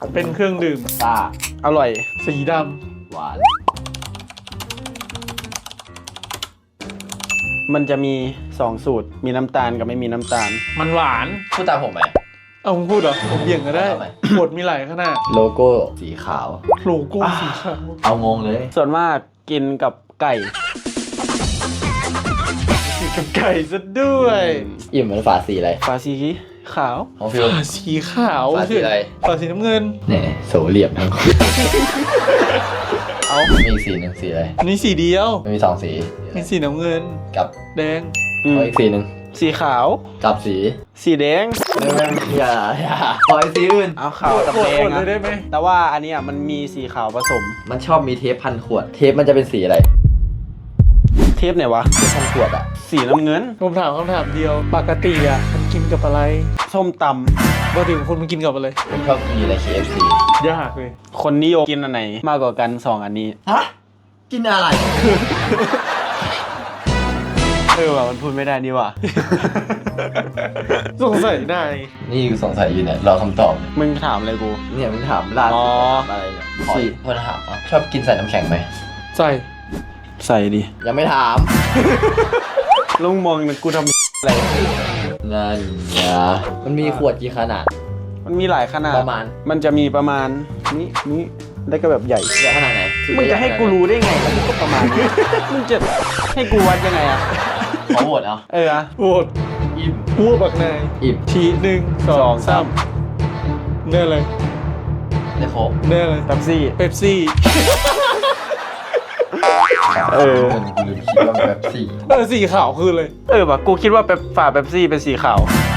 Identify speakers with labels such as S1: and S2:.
S1: เป็นเครื่องดื่ม
S2: ซ่า
S3: อร่อย
S1: สีด
S2: หวาน
S3: มันจะมี2สูตรมีน้ำตาลกับไม่มีน้ำตาล
S1: ำมันหวาน
S2: พูดตามผมไหม
S1: เอามึงพูดเหรอผมเบี่ยงก็ได้
S2: เอาทำไม
S1: บทมีหลายขนาด
S2: โลโก้สีขาว
S1: โลโก้สีขาว
S2: เอางงเลย
S3: ส่วนมากกินกับไก่
S1: กินกับไก่ซะด้วย
S2: อิ่มเหมือนฝาสีอะไร
S3: ฝาสีขาว
S2: ของฟิว
S1: ฝาสีขาว
S2: ฝาสีอะไร
S1: ฝาสีน้ำเงิน
S2: เนี่ยโสเหลี่ยมทั้งคู่
S3: เอา
S2: มีอีกสีหนึ่งสีอะไร
S1: อันนี้สีเดียว
S2: มันมีสองสี
S1: มีสีน้ำเงิน
S2: กับ
S1: แดง
S2: เอาอีกสีหนึ่ง
S3: สีขาว
S2: กับสี
S3: สีแดง
S2: อย่าขออีกสีอื่น
S3: เอาขาวกับ
S1: โหว
S3: แด
S1: ต
S3: ง
S1: เลยได้
S3: อะ
S1: ไหม
S3: แต่ว่าอันเนี้ยมันมีสีขาวผสม
S2: มันชอบมีเทปพันขวด เทปมันจะเป็นสีอะไร
S3: เทปไหนวะ
S2: เทปพันขวดอะ
S3: สีน้ำเงิน
S1: ผมถามคำถามเดียว ปกติอ่ะมันกินกับอะไร
S3: ส้มต
S1: ปกติคนมันกินกับอะไร
S2: ผมชอบกินอะไร KFC
S1: ยากเลย
S3: ำคนนิยมกินอันไหนมากกว่ากัน2อันนี้
S2: ฮะ กินอะไร
S3: ว่ะมันพูดไม่ได้นี่ว่ะ
S1: สงสัยนาย
S2: นี่สงสัยอยู่เนี่ยรอคำตอบ
S3: มึงถามอะไรกู
S2: เนี่ยมึงถามล่า
S3: อ๋
S2: สุ
S3: อ
S2: ดอะไรเนี่ยขออีกคนถามว่าชอบกินใส่น้ำแข็งไหม
S1: ใส่
S3: ใส่ดิ
S2: ยังไม่ถาม
S3: ลุงมองกูทำอะไร
S2: นั่นไงมันมีขวดกี่ขนาด
S3: มันมีหลายขนาด
S2: ประมาณ
S3: มันจะมีประมาณนี้แล้วก็แบบใหญ่
S2: ใหญ่ขนาดไหน
S3: มึงจะให้กูรู้ได้ไงแล้วมึงก็ประมาณนี้ มึงจะให้กูวัดยังไงอะ
S2: ขอโหวตเอา
S3: เอออะ
S1: โหวต
S2: อิ่ม
S1: พูดบักนาย
S2: อิ่ม
S1: ที1 2 3เนื้ออะไร
S2: ได้โค้ก
S1: เนื้ออะไร
S3: แป๊บซี่
S1: เป๊ปซี่
S3: เออ
S2: กูลืมคิดว่าแบบสี่
S1: สีขาวคือเลย
S3: เออว่ะกูคิดว่าฝาแป๊บซี่เป็นสีขาว